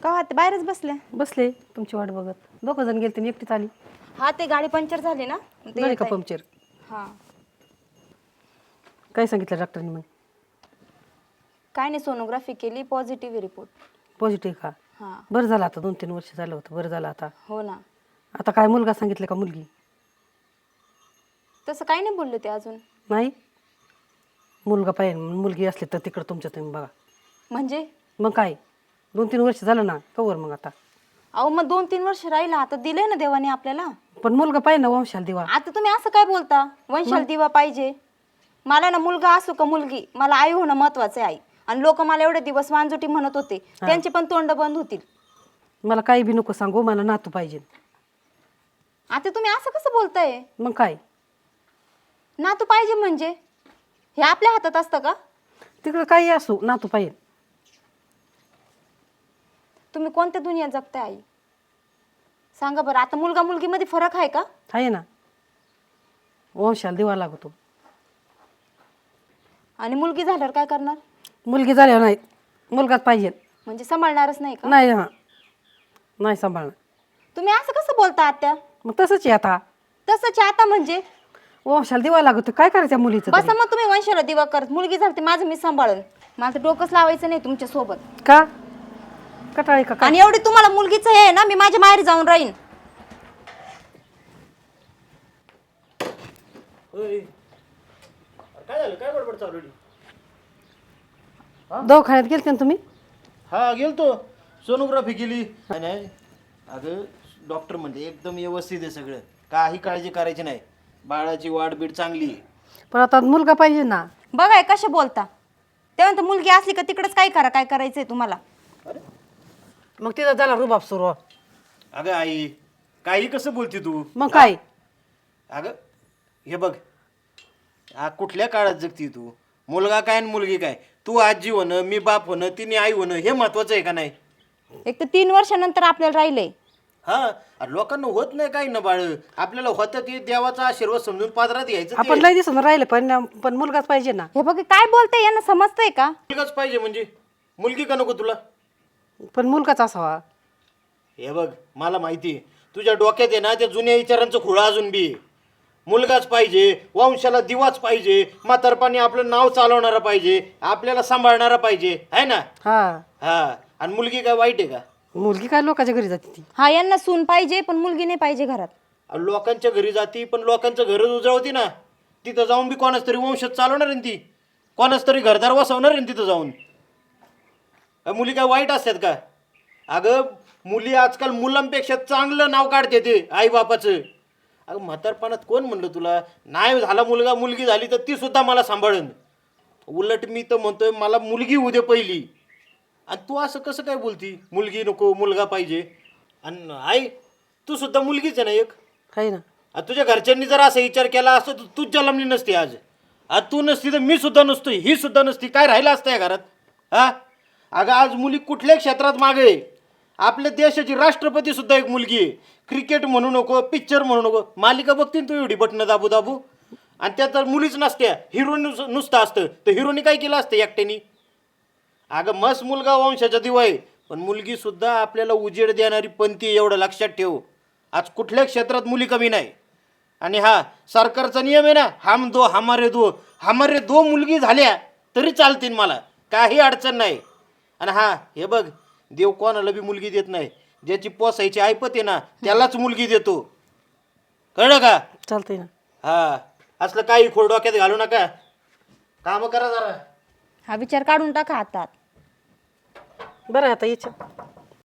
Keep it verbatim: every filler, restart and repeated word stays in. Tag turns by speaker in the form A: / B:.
A: का ते बाहेरच बसले?
B: बसले तुमची वाट बघत. दोघं जण गेलते आणि एकटीच आली.
A: हा ते गाडी पंक्चर झाली ना ते
B: झाली
A: येत
B: का
A: आहे.
B: पंक्चर?
A: हा
B: काय सांगितलं डॉक्टरनी मग?
A: काय नाही, सोनोग्राफी केली, पॉझिटिव्ह रिपोर्ट.
B: पॉझिटिव्ह का?
A: हा
B: बरं झालं आता, दोन तीन वर्ष झालं होतं, बरं झालं आता.
A: हो ना.
B: आता काय मुलगा सांगितलं का मुलगी?
A: तसं काही नाही बोलले ते अजून.
B: नाही, मुलगा पाहिजे, मुलगी असली तर तिकडं तुमच्या तुम्ही बघा.
A: म्हणजे
B: मग काय, दोन तीन वर्ष झालं ना, कवर मग आता.
A: अहो मग दोन तीन वर्ष राहिला, आता दिलंय ना देवाने आपल्याला.
B: पण मुलगा पाहिजे ना, वंशाला दिवा.
A: आता तुम्ही असं काय बोलता? वंशाल दिवा पाहिजे? मला ना मुलगा असो का मुलगी, मला आई होणं महत्वाचं आहे. आई आणि लोक मला एवढे दिवस वांजुटी म्हणत होते, त्यांचे पण तोंड बंद होतील.
B: मला काही बी नको सांगू, मला नातू पाहिजे.
A: आता तुम्ही असं कसं बोलताय?
B: मग काय,
A: नातू पाहिजे म्हणजे हे आपल्या हातात असतं का?
B: तिकडं काही असू, नातू पाहिजे.
A: तुम्ही कोणत्या दुनियात जगताय आई? सांगा बरं. आता मुलगा मुलगी मध्ये फरक आहे का?
B: आहे ना, वंशाला दिवा लागतो.
A: आणि मुलगी झाल्यावर काय करणार?
B: मुलगी झाल्यावर नाही, मुलगाच पाहिजे.
A: म्हणजे सांभाळणारच नाही का?
B: नाही, हा नाही सांभाळणार.
A: तुम्ही असं कसं बोलता आत्या?
B: मग तसंच आहे आता,
A: तसंच आता म्हणजे
B: वंशाला दिवा लागतो. काय करायचं मुलीचं तरी?
A: बसा मग तुम्ही वंशाला दिवा करत. मुलगी झाली माझं मी सांभाळन. मला तर डोकंच लावायचं नाही तुमच्या सोबत.
B: का कटाळी का?
A: आणि एवढी तुम्हाला मुलगीच आहे ना, मी माझ्या माहेरी जाऊन राहीन.
C: काय झालं, काय बडबड चालू आहे?
B: दवाखान्यात गेलते ना तुम्ही?
C: हा गेलतो, सोनोग्राफी केली. नाही नाही अगं, डॉक्टर म्हणते एकदम व्यवस्थित आहे सगळं, काही काळजी करायची नाही, बाळाची वाढ बीड चांगली आहे.
B: पण आता मुलगा पाहिजे ना.
A: बघाय कशा बोलता. तेव्हा तर मुलगी असली का तिकडेच काय करा, काय करायचंय तुम्हाला.
C: अरे
B: मग तिथं झाला रुबाब सुरू.
C: अगं आई, काही कसं बोलते तू?
B: मग काय,
C: अगं हे बघ, आ कुठल्या काळात जगती तू? मुलगा काय आणि मुलगी काय? तू आजी होणं, मी बाप होणं, तिने आई होणं, हे महत्वाचं आहे का नाही?
A: एक तर तीन वर्षानंतर आपल्याला राहिलंय.
C: हा, अरे लोकांना होत नाही काही ना बाळ, आपल्याला होतं ते देवाचा आशीर्वाद समजून पादरात घ्यायचं.
B: आपण लय दिसून राहिले, पण पण मुलगाच पाहिजे ना.
A: हे बघ काय बोलते, यांना समजतंय का?
C: मुलगाच पाहिजे म्हणजे मुलगी का नको तुला?
B: पण मुलगाच असावा.
C: हे बघ, मला माहिती आहे तुझ्या डोक्यात आहे ना त्या जुन्या विचारांचं खुळा अजून बी. मुलगाच पाहिजे, वंशाला दिवाच पाहिजे, म्हातारपणी आपलं नाव चालवणारा पाहिजे, आपल्याला सांभाळणारा पाहिजे, आहे ना?
B: हा,
C: हा, आणि मुलगी काय वाईट आहे का?
B: मुलगी काय लोकांच्या घरी जाते ती.
A: हा, यांना सून पाहिजे पण मुलगी नाही पाहिजे घरात.
C: अरे लोकांच्या घरी जाती, पण लोकांचं घरच उजळवती ना. तिथं जाऊन बी कोणाच तरी वंशात चालवणार आहे ती, कोणाच तरी घरदार वसवणार आहे तिथं जाऊन. मुली काय वाईट असतात का? अगं मुली आजकाल मुलांपेक्षा चांगलं नाव काढते ते आई बापाचं. अगं म्हातारपणात कोण म्हणलं तुला नाही झाला मुलगा, मुलगी झाली तर ती सुद्धा मला सांभाळन. उलट मी तर म्हणतोय मला मुलगी होऊ दे पहिली. आणि तू असं कसं काय बोलती, मुलगी नको मुलगा पाहिजे? आणि आई तू सुद्धा मुलगीच आहे ना एक.
B: आहे ना.
C: आता तुझ्या घरच्यांनी जर असा विचार केला असता तर तूच जन्मली नसती आज. आज तू नसती तर मी सुद्धा नसतो, ही सुद्धा नसती, काय राहिलं असतं या घरात? हा, अगं आज मुली कुठल्याही क्षेत्रात मागे आहे. आपल्या देशाची राष्ट्रपती सुद्धा एक मुलगी आहे. क्रिकेट म्हणू नको, पिक्चर म्हणू नको, मालिका बघतील तू एवढी बटणं दाबू दाबू, आणि त्यात तर मुलीच नसत्या, हिरो नुसतं असतं. तर हिरोनी काय केलं असतं एकट्यानी? अगं मस्त मुलगा वंशाचा दिवा आहे, पण मुलगी सुद्धा आपल्याला उजेड देणारी पंथी आहे, एवढं लक्षात ठेव. आज कुठल्या क्षेत्रात मुली कमी नाही. आणि हा सरकारचा नियम आहे ना, हम दो हमारे दो, हमारे दो मुलगी झाल्या तरी चालतील, मला काही अडचण नाही. आणि हा हे बघ, देव कोणाला बी मुलगी देत नाही, ज्याची पोसायची ऐपत आहे ना त्यालाच मुलगी देतो, कळलं का?
B: चालतंय ना.
C: हा, असलं काही खोड डोक्यात घालू नका, काम करा जरा.
A: हा विचार काढून टाका हातात.
B: बरं आहे आता याच्या